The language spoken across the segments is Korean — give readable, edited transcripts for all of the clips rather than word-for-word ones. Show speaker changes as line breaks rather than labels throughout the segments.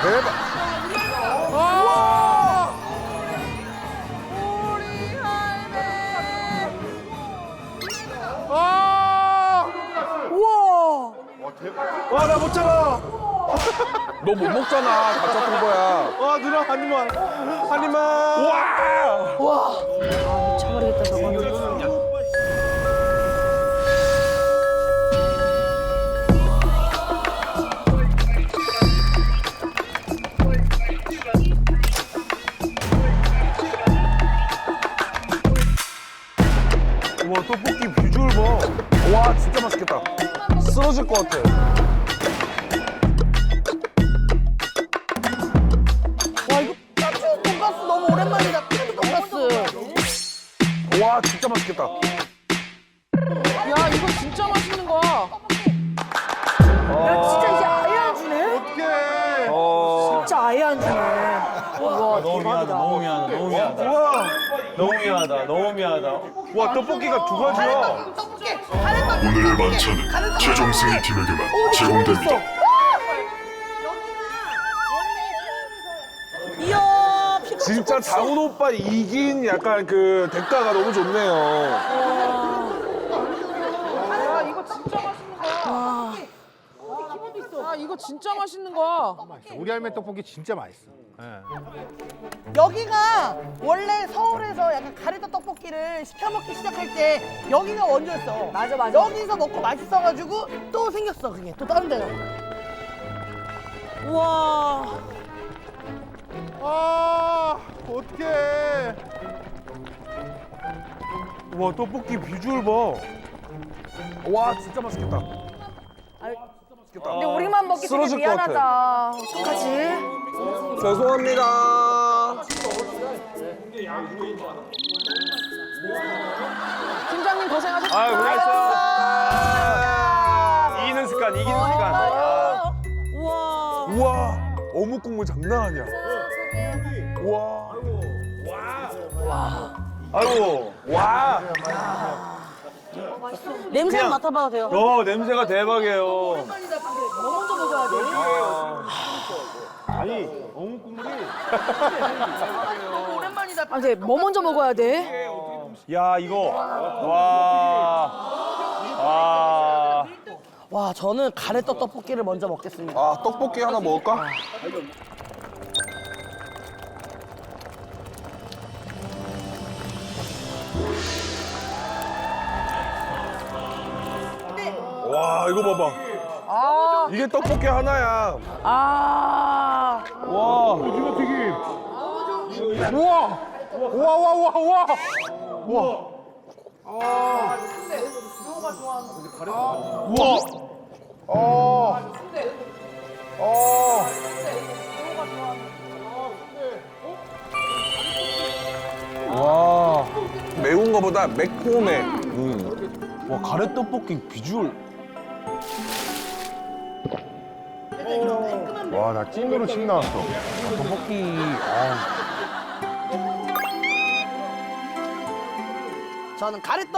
대박.
와!
우리 할매.
와!
우와.
와, 나 못 잡아.
너 못 먹잖아. 다 짰던 거야.
와, 누나 한 입만. 한 입만.
와!
와. 아, 미쳐버리겠다 저거는.
와, 떡볶이 비주얼 봐.
와, 진짜 맛있겠다. 쓰러질 것 같아.
와 이거 까치 돈가스 너무 오랜만이다. 까치 돈가스.
와, 진짜 맛있겠다.
야 이거 진짜 맛있는 거야.
야 진짜 이제 아예 안 주네?
어떡해.
진짜 아예 안 주네. 와
너무 미안하다, 너무 미안하다, 너무 미안하다.
우와.
너무 미안하다, 너무 미안하다.
와, 떡볶이가 두 가지야.
오늘의 만찬은 최종 승리팀에게만 제공됩니다.
이야 피가
진짜 장훈 오빠 이긴 약간 그 대가가 너무 좋네요.
야 이거 진짜 맛있는 거야. 야 이거 진짜 맛있는 거야.
우리 할매 떡볶이 진짜 맛있어.
여기가 원래 서울에서 약간 가래떡 떡볶이를 시켜 먹기 시작할 때 여기가 원조였어.
맞아, 맞아.
여기서 먹고 맛있어가지고 또 생겼어 그게 또 다른 데가.
우와.
아, 어떡해. 와, 떡볶이 비주얼 봐.
와, 진짜 맛있겠다.
근데 우리만 먹기 되게
쓰러질 것 같아.
미안하다. 어떡하지?
죄송합니다.
팀장님 고생하셨습니다.
아, 고생했어. 이기는 습관, 이기는 습관.
우와.
우와, 어묵 국물 장난 아니야. 우와.
아이고, 와.
냄새
그냥-
맡아봐도 돼요.
냄새가 대박이에요.
뭐 먼저 먹어야 돼?
아니, 어묵 국물이.
너무 오랜만이다.
아, 근데 뭐 먼저 먹어야 돼?
야, 이거. 와. 와.
와 저는 가래떡 떡볶이를 먼저 먹겠습니다.
아, 떡볶이 하나 먹을까? 와, 이거 봐봐. 이게 떡볶이 하나야.
아.
와. 오징어 튀김. 우와. 우와, 우와, 우와, 우와. 우와. 우와.
와, 매운 거보다 매콤해.
와, 가래떡볶이 비주얼. 와, 나 찐으로 침 나왔어. 떡볶이.
저는 가래떡.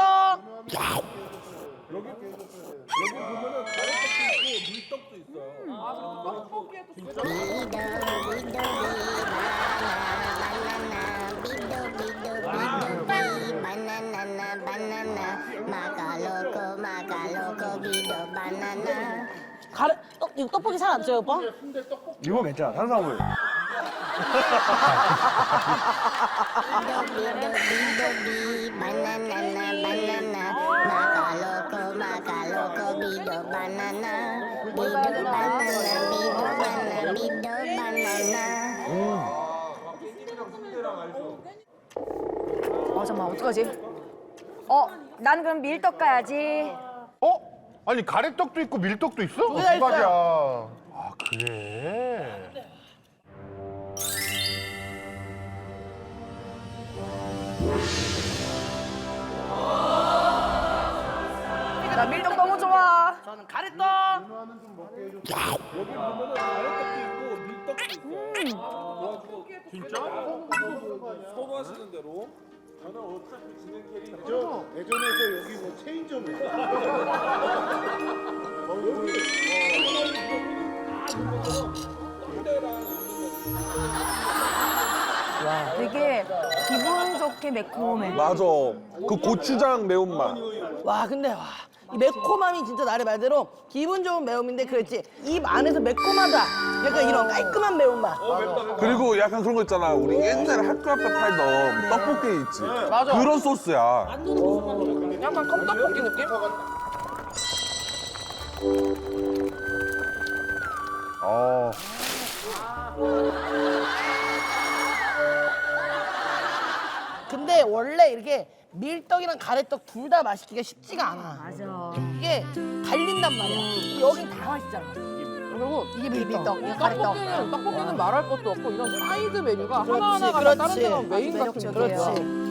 가래 이거 떡볶이 살 안 쪄요 오빠?
이거 괜찮아, 탄수화물.
잠깐만, 어떡하지? 난 그럼 밀떡 가야지.
어? 아니, 가래떡도 있고 밀떡도 있어? 두
개나 있어요.
가지야. 아, 그래?
나 밀떡 너무 좋아.
저는 가래떡.
대전에서 여기 뭐 체인점이야. 여기.
되게 기분 좋게 매콤해.
맞아. 그 고추장 매운맛.
와 근데 와. 이 매콤함이 진짜 나를 말대로 기분 좋은 매움인데 그렇지 입 안에서 매콤하다 약간 이런 깔끔한 매운맛.
그리고 약간 그런 거 있잖아. 우리 옛날에 학교 앞에 팔던 떡볶이 있지.
맞아.
그런 소스야.
약간 컵떡볶이 느낌?
근데 원래 이렇게 밀떡이랑 가래떡 둘 다 맛있기가 쉽지가 않아.
맞아.
이게 갈린단 말이야. 여긴 다 맛있잖아.
그리고
이게 밀떡, 이게 가래떡.
떡볶이는 말할 것도 없고 이런 사이드 메뉴가 하나하나가 다
그렇지.
다른 데는 메인 같은
매력적이에요.
그렇지.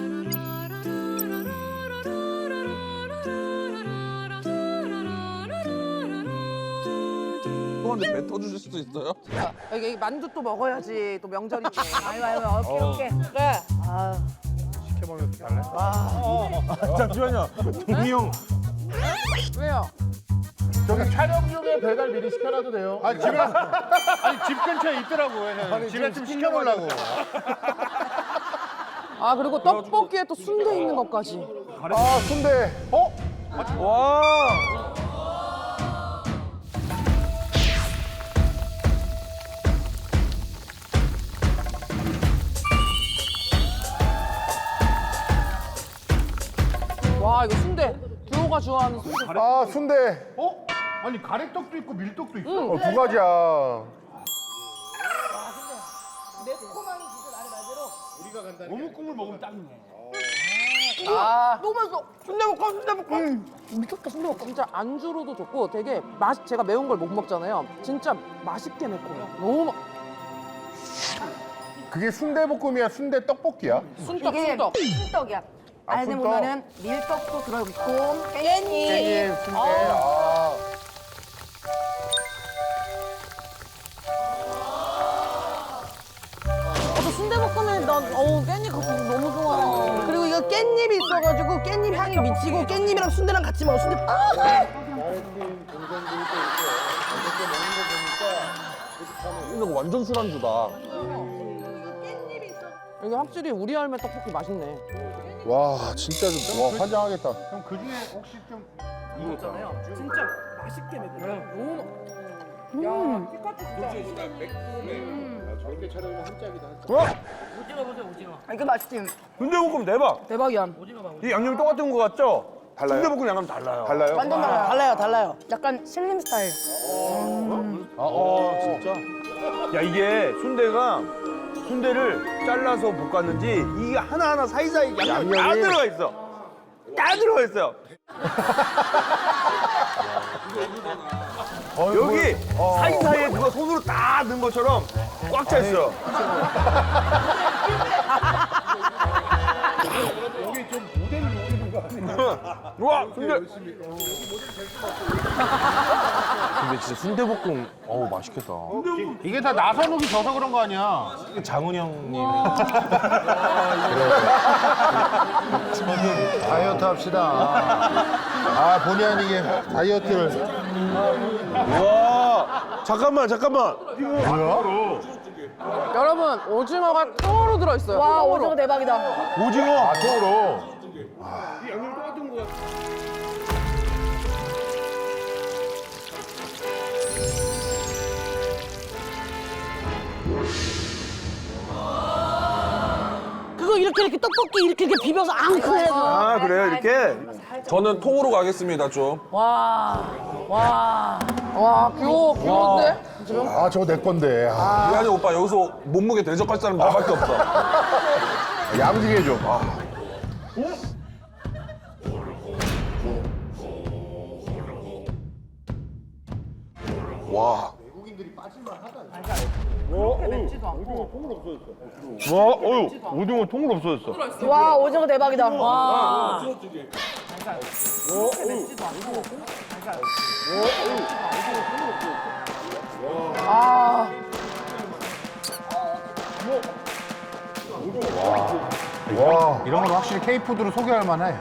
또한테 뱉어주실 수도 있어요?
여기 만두 또 먹어야지 또 명절인데.
아유 아유 어깨.
그래.
시켜먹는 거 달래?
잠시만요. 동희 형.
왜요?
저기 촬영 중에 배달 미리 시켜놔도 돼요. 아니 집에 아니 집 근처에 있더라고. 집에 좀 시켜놓으려고.
아 그리고 떡볶이에 또 순대 있는 것까지.
아 순대.
와.
와 이거 순대. 규호가 좋아하는 순대.
아 순대. 아니 가래떡도 있고 밀떡도 있어. 두 가지야.
매콤함이 진짜 나를 말대로.
어묵국물 먹으면 딱이네.
너무 맛있어. 순대볶음, 순대볶음.
미쳤다 순대볶음. 진짜 안주로도 좋고 되게 제가 매운 걸 못 먹잖아요. 진짜 맛있게 매콤해. 너무
그게 순대볶음이야 순대 떡볶이야?
순떡
이게
순떡.
순떡이야. 안에
순떡?
보면은 밀떡도 들어있고 깻잎.
순대. 아.
저 순대볶음에 난 깻잎 같은 거 너무 좋아.
그리고 이거 깻잎이 있어가지고 깻잎 향이 미치고 깻잎이랑 순대랑 같이 먹어. 순대
이거 완전 술안주다.
이게 확실히 우리 할매 떡볶이 맛있네.
와 진짜 좀 와 환장하겠다. 그럼 그 중에 혹시 좀
진짜 맛있게 매콤해. 너무 야, 피카츄 진짜.
아, 이거 맛있지?
순대볶음 대박.
대박이야.
이 양념이 똑같은 거 같죠?
달라요?
순대볶음 양념 달라요.
달라요?
완전 달라.
달라요, 달라요.
약간 슬림 스타일.
진짜. 야 이게 순대를 잘라서 볶았는지 이게 하나하나 사이사이 양념이 다
양념이.
들어가 있어. 다 들어가 있어요. 여기 사이사이에 누가 손으로 다 넣은 것처럼 꽉 차 있어요.
여기 좀 모델 노리는 거 아니야?
와 순대. 근데 진짜 순대볶음 맛있겠다.
이게 다 나선욱이 져서 그런 거 아니야?
장훈 형님.
다이어트 합시다. 아 본의 아니게 다이어트를.
와 잠깐만.
뭐야?
여러분 오징어가 통으로 들어있어요.
와
통으로.
오징어 대박이다.
오징어.
아 통으로.
그거 이렇게 떡볶이 이렇게 비벼서 앙크해서.
아 그래요 이렇게? 저는 통으로 가겠습니다 좀.
와 귀여운데? 지금?
아 저거 내 건데. 아,
미안해 오빠 여기서 몸무게 대접할 사람 나밖에 없어.
야무지게 해줘. 아.
와.
오징어 통으로 없어졌어.
와 오징어 대박이다. 와.
와 이런 건 확실히 K푸드로 소개할 만해.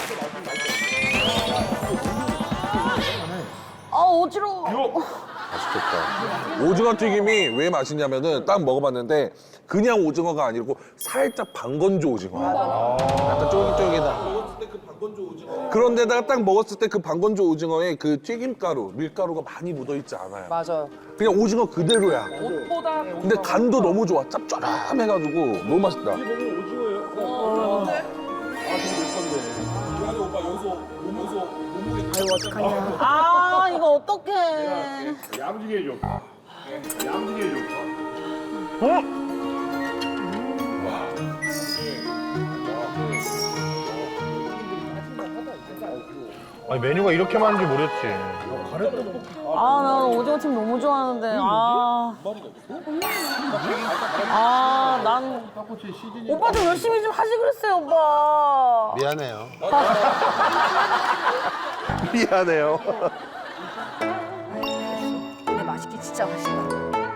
아 어지러워.
맛있겠다. 오징어 튀김이 왜 맛있냐면은 딱 먹어봤는데 그냥 오징어가 아니고 살짝 방건조 오징어. 약간 쫄깃쫄깃한. 그런데다가 딱 먹었을 때 그 방건조 오징어에 그 튀김가루, 밀가루가 많이 묻어있지 않아요.
맞아요.
그냥 오징어 그대로야.
옷보다
근데 간도 너무 좋아. 짭조름해가지고 너무 맛있다.
아 이거 어떡해.
야무지게 해줘. 야무지게 해줘. 아니 메뉴가 이렇게 많은지 모르겠지.
아, 나 오징어찜 너무 좋아하는데. 난. 오빠 좀 열심히 좀 하지 그랬어요, 오빠.
미안해요. 미안해요.
근데 맛있게 진짜 맛있다.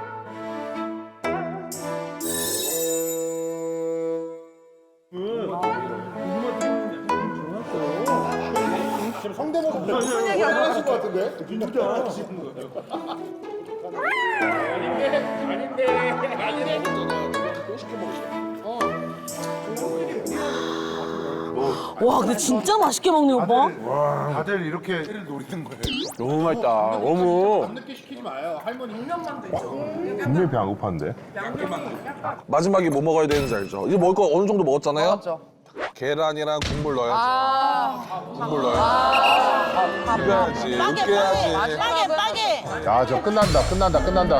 와, 근데 진짜 맛있게 먹네, 오빠.
다들 이렇게 노리는 거예요.
너무 맛있다. 너무.
늦게 시키지 마요. 할머니
분명히 배 안 고팠는데.
마지막에 뭐 먹어야 되는지 알죠? 이제 먹을 거 어느 정도 먹었잖아요?
맞죠.
계란이랑 국물 넣어야죠. 국물 넣어야죠. 비벼야지, 으깨야지.
빠게.
야, 저 끝난다.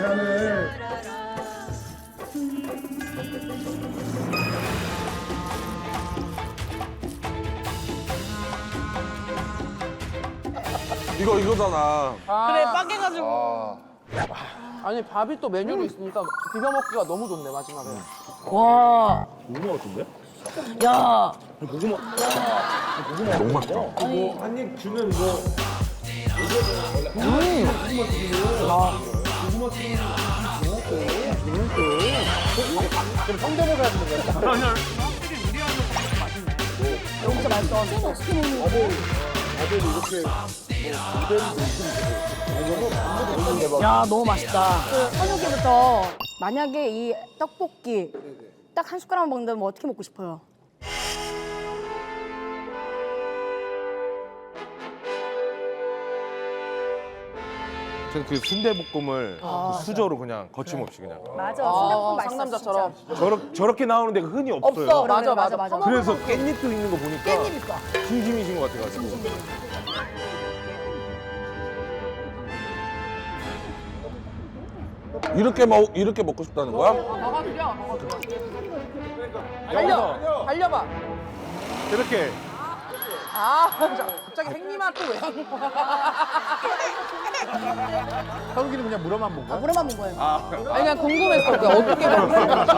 이거잖아.
그래, 빠게가지고.
아니 밥이 또 메뉴로 있으니까 비벼 먹기가 너무 좋네 마지막에.
와.
고구마 같은데?
야.
너무 맛있다.
이거 한 입 주면 뭐
야, 너무 맛있다.
현욱이부터 만약에 이 떡볶이 딱 한 숟가락만 먹는다면 어떻게 먹고 싶어요?
저는 그 순대볶음을 그 수저로 그냥 거침없이 그냥
맞아. 순대국밥 맛있어.
상남자처럼.
저렇게 나오는데 흔히 없어요.
없어. 맞아.
그래서 깻잎도 있는 거 보니까
깻잎 있어.
진심이신 것 같아가지고.
이렇게 먹고 싶다는 거야?
달려봐.
이렇게
갑자기 행님아 또 왜?
현욱이는 그냥 물어만 본 거야?
물어만 먹은 거예요.
아니 그냥 궁금했어. 그게 어떻게 먹는지.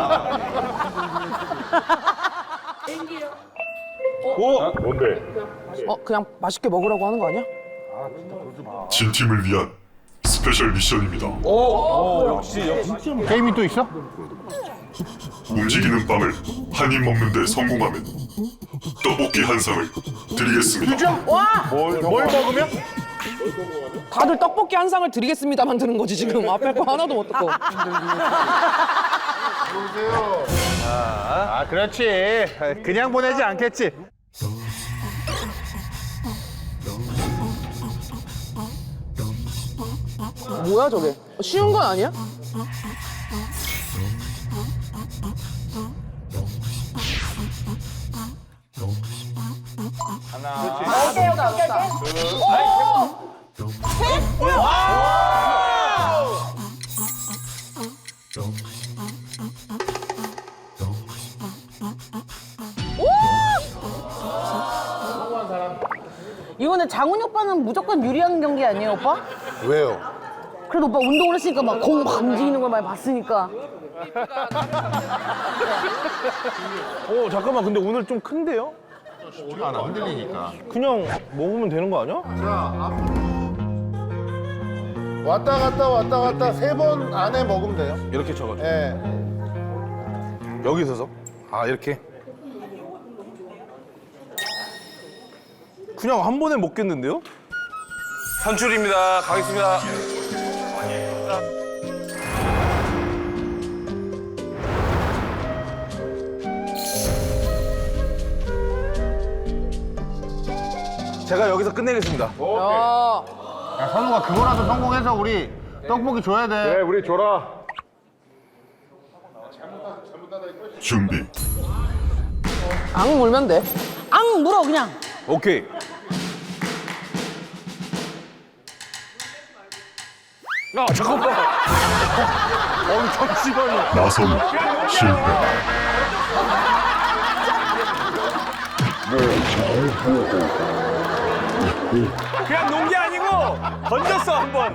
뭔데?
그냥 맛있게 먹으라고 하는 거 아니야?
진 팀을 위한 스페셜 미션입니다.
역시
게임이 또 있어?
움직이는 빵을 한 입 먹는데 성공하면 떡볶이 한 상을 드리겠습니다.
뭘 먹으면?
다들 떡볶이 한 상을 드리겠습니다만 드는 거지 지금. 앞에 거 하나도 못 듣고.
아, 그렇지. 그냥 보내지 않겠지.
뭐야 저게? 쉬운 건 아니야?
이거는 장훈이 오빠는 무조건 유리한 경기 아니에요, 오빠?
왜요?
그래도 오빠 운동을 했으니까 막 공 막 움직이는 걸 많이 봤으니까.
잠깐만 근데 오늘 좀 큰데요?
안 흔들리니까.
그냥 먹으면 되는 거 아니야?
왔다 갔다 3번 안에 먹으면 돼요.
이렇게 쳐가지고
예.
여기 서서 이렇게 그냥 한 번에 먹겠는데요?
선출입니다. 가겠습니다.
제가 여기서 끝내겠습니다.
야,
야, 선우가 그거라도 성공해서 우리 떡볶이 줘야 돼.
그래, 우리 줘라.
준비.
앙 물면 돼.
앙 물어 그냥.
오케이. 아 잠깐만. 잠시만요.
나선 실패.
그냥 논 게 아니고 던졌어 한 번.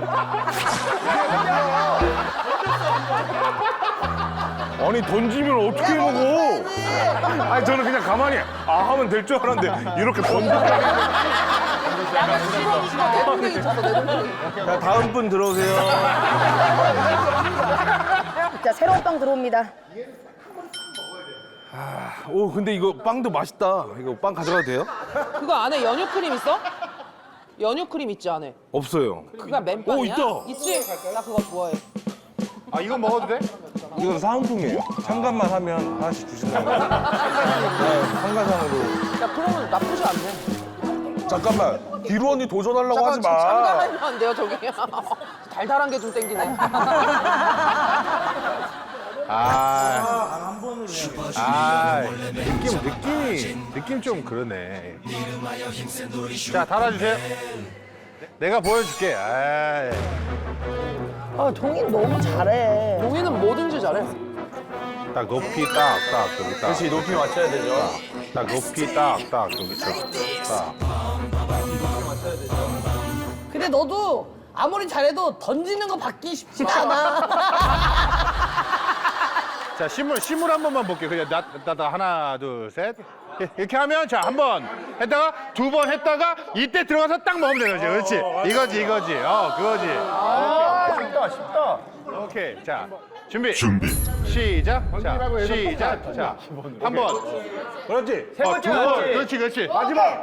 아니, 던지면 어떻게 먹어? 아니, 저는 그냥 가만히 하면 될 줄 알았는데 이렇게 던지면.
내 동생이 쳤어, 내 동생이.
자 다음 분 들어오세요.
자, 새로운 빵 들어옵니다.
오 근데 이거 빵도 맛있다. 이거 빵 가져가도 돼요?
그거 안에 연유 크림 있어? 연유 크림 있지 안에?
없어요.
그가 맨빵이야?
오, 있다.
있지? 나 그거 좋아해.
아, 이건 먹어도 돼?
이건 사은품이에요. 참관만 하면 하나씩 주신다고. 네, 참가상으로.
야 그러면 나쁘지 않네.
잠깐만. 기루 언니 도전하려고 하지 마.
참가하면 안 돼요 저기. 달달한 게 좀 땡기네.
느낌 좀 그러네. 자, 달아주세요. 내가 보여줄게. 아이.
아 동인 너무 잘해.
동이는 뭐든지 잘해.
딱 높이 딱 여기 딱.
그렇지 높이 맞춰야 되죠.
딱 높이 딱 여기처럼 딱.
근데 너도 아무리 잘해도 던지는 거 받기 쉽지가 않아.
자, 심을 한 번만 볼게요. 그냥 나 하나, 둘, 셋. 이렇게 하면 자, 한 번 했다가 두 번 했다가 이때 들어가서 딱 먹으면 되는 거지. 그렇지. 이거지. 그거지. 쉽다. 오케이. 자, 준비. 시작. 자, 시작. 자, 한 번.
그렇지.
두 번. 그렇지. 마지막.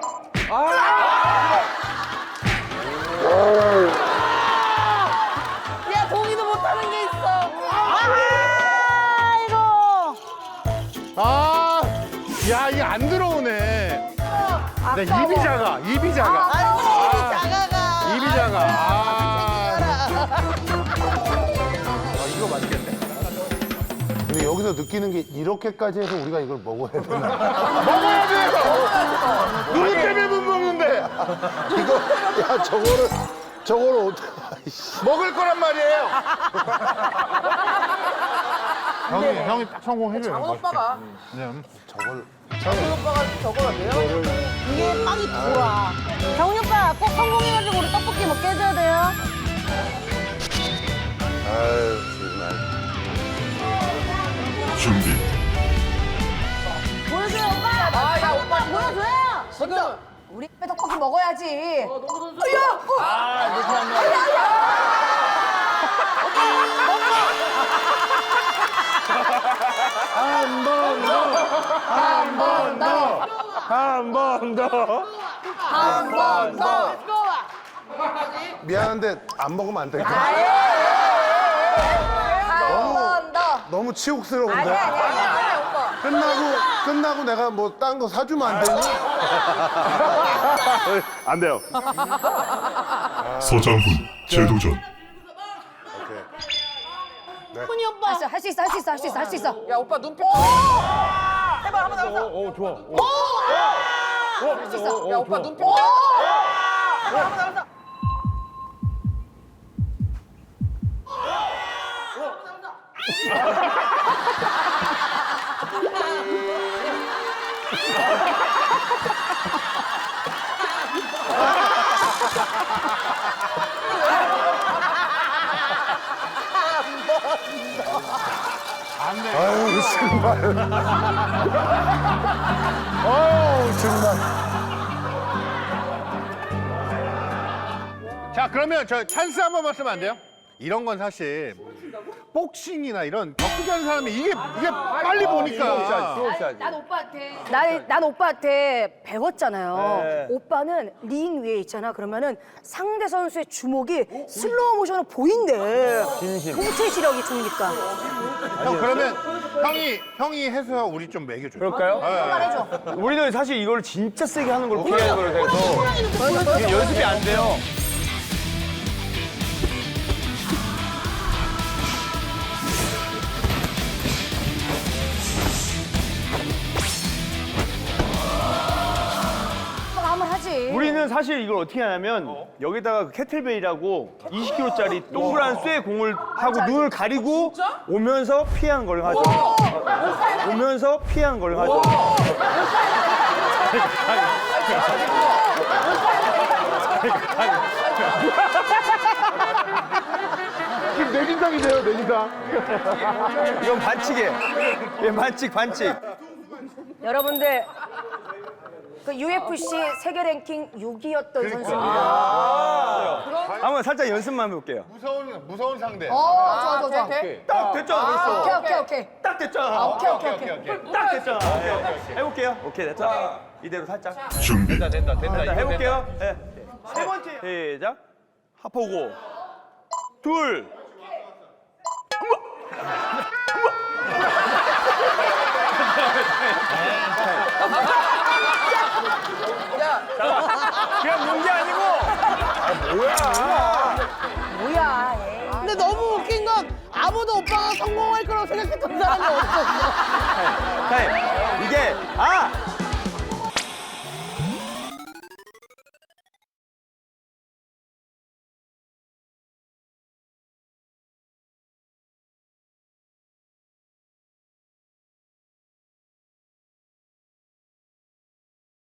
야 동이도 못하는 게 있어.
아, 야, 이게 안 들어오네. 내 입이 작아.
아이고 입이 작아가.
입이 작아. 이거 맛있겠네.
근데 여기서 느끼는 게 이렇게까지 해서 우리가 이걸 먹어야 되나?
먹어야 돼요. 누구 때문에 못 먹는데?
이거 야 저거를 어떻게?
먹을 거란 말이에요. 형이 딱 성공해줘요.
장훈 오빠가.
저걸
장훈 오빠가 저걸 내가
이게 빵이 돌아.
정훈 오빠 꼭 성공해가지고 우리 떡볶이 먹게 해줘야 돼요.
아유 정말.
준비.
보여줘요 오빠.
아야 오빠
보여줘요.
지금
우리 집에 떡볶이 먹어야지.
한 번 더.
미안한데 안 먹으면 안 될까?
한 번 더.
너무 치욕스러운데.
아니야 오빠.
끝나고 내가 뭐 딴 거 사주면 안 되니?
안 돼요.
서장훈 재도전.
훈이 오빠.
할 수 있어.
야 오빠 눈빛. 해봐 한번 더.
오, 좋아.
할 수 있어. 야 오빠 눈빛.
아유 정말. 어우 정말.
자, 그러면 저 찬스 한 번만 쓰면 안 돼요? 이런 건 사실 복싱이나 이런 격투기 하는 사람이 이게 빨리 보니까.
난 오빠한테 배웠잖아요. 오빠는 링 위에 있잖아. 그러면은 상대 선수의 주먹이 슬로우 모션으로 보인대. 통체 시력이 좋으니까.
형 그러면 형이 해서 우리 좀 먹여줘.
그럴까요?
말해줘.
우리는 사실 이걸 진짜 세게 하는 걸 피하는 거로 돼서 이게 연습이 안 돼요.
오빠가 한번 하지.
우리는 사실 이걸 어떻게 하냐면 여기다가 그 캐틀벨이라고 20kg짜리 동그란 쇠 공을 하고 눈을 가리고 오면서 피하는 걸 하죠. 오면서 피하는 걸 하죠.
지금 내진탕이세요, 내진탕.
이건 반칙이에요. 이건 반칙.
여러분들 그 UFC 세계 랭킹 6위였던 선수입니다.
한번 살짝 연습만 해볼게요.
무서운 상대.
좋아.
딱 됐잖아, 벌써.
오케이.
딱 됐잖아.
오케이.
딱 됐잖아. 오케이. 해볼게요. 오케이, 됐죠? 이대로 살짝.
준비.
된다. 해볼게요. 네. 세 번째. 시작. 하포고. 둘. 그냥 논 게 아니고.
뭐야 얘.
근데 너무 웃긴 건 아무도 오빠가 성공할 거라고 생각했던 사람이 없었어.
이게